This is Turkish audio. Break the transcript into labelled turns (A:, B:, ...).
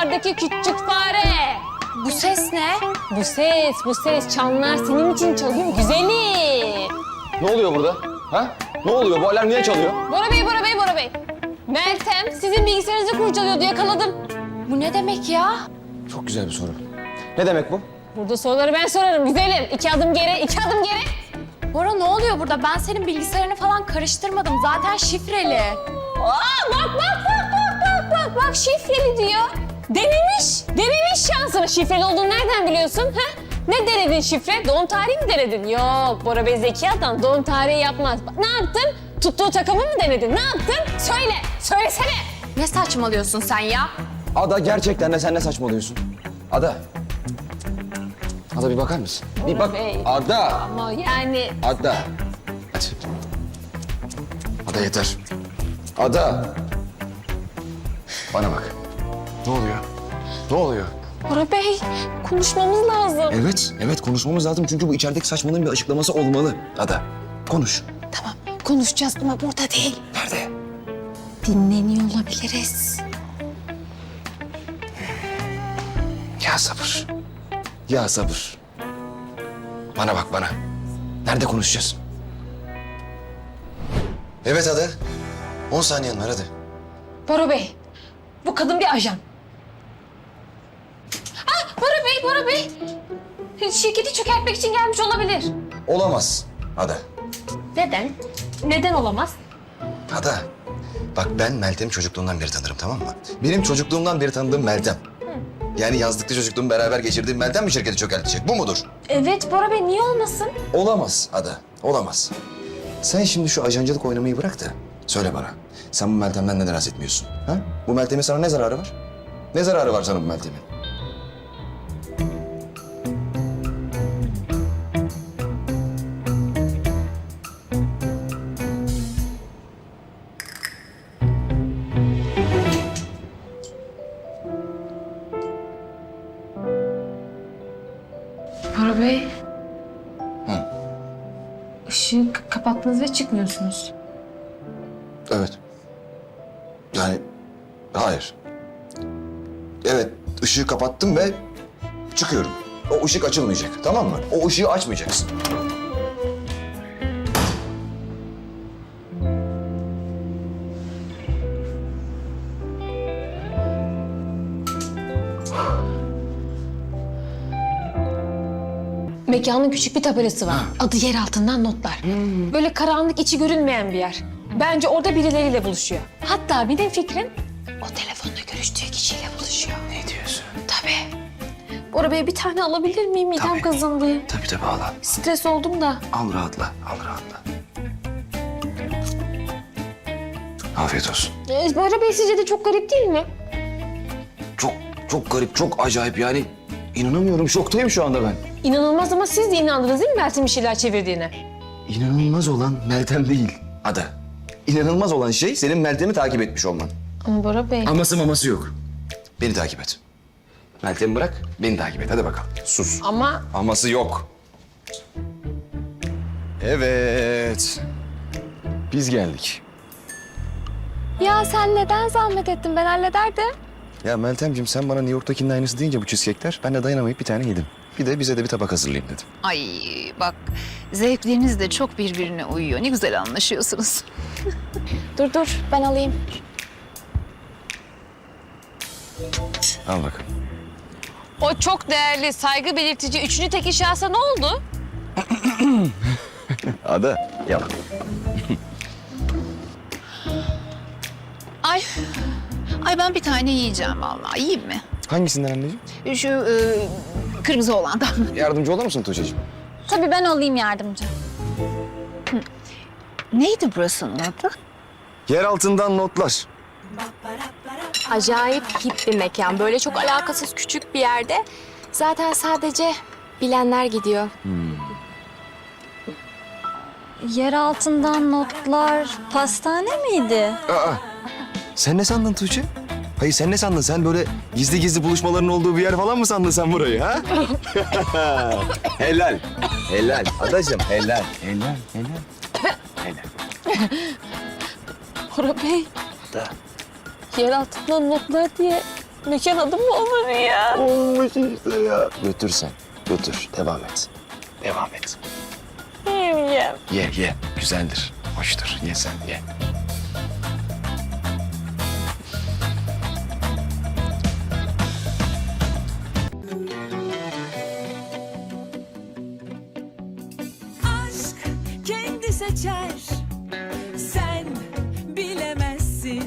A: Sokaklardaki küçük fare.
B: Bu ses ne?
A: Bu ses çanlar senin için çalıyor güzelim.
C: Ne oluyor burada? Ha? Ne oluyor? Bu alarm niye çalıyor?
A: Bora Bey. Meltem sizin bilgisayarınızı kurcalıyordu, yakaladım.
B: Bu ne demek ya?
C: Çok güzel bir soru. Ne demek bu?
A: Burada soruları ben sorarım güzelim. 2 adım geri.
B: Bora ne oluyor burada? Ben senin bilgisayarını falan karıştırmadım. Zaten şifreli.
A: Aa, bak şifreli diyor. Denemiş şansını. Şifreli olduğunu nereden biliyorsun? Ha? Ne denedin şifre? Doğum tarihi mi denedin? Yok, Bora Bey zeki adam doğum tarihi yapmaz. Bak, ne yaptın? Tuttuğu takımı mı denedin? Ne yaptın? Söylesene.
B: Ne saçmalıyorsun sen ya?
C: Ada gerçekten de sen ne saçmalıyorsun? Ada. Ada bir bakar mısın? Bir bak.
A: Bey.
C: Ada.
A: Ama yani...
C: Ada. Hadi. Ada yeter. Ada. Bana bak. Ne oluyor? Ne oluyor?
A: Bora Bey, konuşmamız lazım.
C: Evet konuşmamız lazım çünkü bu içerideki saçmalığın bir açıklaması olmalı. Ada, konuş.
A: Tamam, konuşacağız ama burada değil.
C: Nerede?
A: Dinleniyor olabiliriz.
C: Ya sabır. Ya sabır. Bana bak bana. Nerede konuşacağız? Evet Ada. 10 saniyen var hadi.
A: Bora Bey, bu kadın bir ajan. Bora Bey. Şirketi çökertmek için gelmiş olabilir.
C: Olamaz Ada.
A: Neden? Neden olamaz?
C: Ada. Bak ben Meltem'i çocukluğumdan beri tanırım tamam mı? Benim çocukluğumdan beri tanıdığım Meltem. Yani yazlıkta çocukluğumu beraber geçirdiğim Meltem mi şirketi çökertecek? Bu mudur?
A: Evet Bora Bey, niye olmasın?
C: Olamaz Ada. Olamaz. Sen şimdi şu ajancılık oynamayı bırak da söyle bana. Sen bu Meltem'den neden etmiyorsun? Ha? Bu Meltem'in sana ne zararı var? Ne zararı var sana bu Meltem'in?
A: Bora Bey.
C: Hı.
A: Işığı kapattınız ve çıkmıyorsunuz.
C: Evet. Yani hayır. Evet, ışığı kapattım ve çıkıyorum. O ışık açılmayacak, tamam mı? O ışığı açmayacaksın.
A: Mekanın küçük bir tabelası var. Adı yer altından notlar. Böyle karanlık, içi görünmeyen bir yer. Bence orada birileriyle buluşuyor. Hatta benim fikrim o telefonda görüştüğü kişiyle buluşuyor.
C: Ne diyorsun?
A: Tabii. Bora Bey bir tane alabilir miyim? Midem
C: Tabii.
A: kazındı.
C: Tabii ağla.
A: Stres oldum da.
C: Al rahatla, al rahatla. Afiyet olsun.
A: Bora Bey sizce de çok garip değil mi?
C: Çok garip, çok acayip yani. İnanamıyorum, şoktayım şu anda ben.
A: İnanılmaz ama siz de inandınız değil mi Meltem'in bir şeyler çevirdiğine?
C: İnanılmaz olan Meltem değil, Ada. İnanılmaz olan şey senin Meltem'i takip etmiş olman.
A: Ama Bora Bey...
C: Aması maması yok. Beni takip et. Meltem'i bırak, beni takip et. Hadi bakalım. Sus.
A: Ama
C: Aması yok. Evet. Biz geldik.
B: Ya sen neden zahmet ettin? Ben hallederdim.
C: Ya Meltemciğim sen bana New York'takinin aynısı deyince bu cheesecake'ler ben de dayanamayıp bir tane yedim. Bir de bize de bir tabak hazırlayayım dedim.
D: Ay bak zevkleriniz de çok birbirine uyuyor. Ne güzel anlaşıyorsunuz.
B: Dur ben alayım.
C: Al bakalım.
A: o çok değerli, saygı belirtici üçüncü tek şahsa ne oldu?
C: Ada yalan.
D: Ay ben bir tane yiyeceğim vallahi. Yiyeyim mi?
C: Hangisinden anneciğim?
D: Şu kırmızı olandan.
C: Yardımcı olur musun Tuğçe'cim?
B: Tabii ben olayım yardımcı.
D: Neydi burasının adı?
C: Yer altından notlar.
B: Acayip hip bir mekan. Böyle çok alakasız küçük bir yerde. Zaten sadece bilenler gidiyor.
E: Yer altından notlar pastane miydi?
C: Aa, sen ne sandın Tuğçe? Hayır sen ne sandın? Sen böyle gizli gizli buluşmaların olduğu bir yer falan mı sandın sen burayı ha? Helal. Helal. Adacığım helal. Helal.
A: Bora Bey.
C: Da.
A: Yer altından notlar diye Mekan adı mı olur ya?
C: Olmuş işte ya. Götür sen. Götür. Devam et. Devam et.
A: Yemeyeceğim.
C: Ye. Güzeldir. Hoştur. Ye sen ye.
F: aşk kendi seçer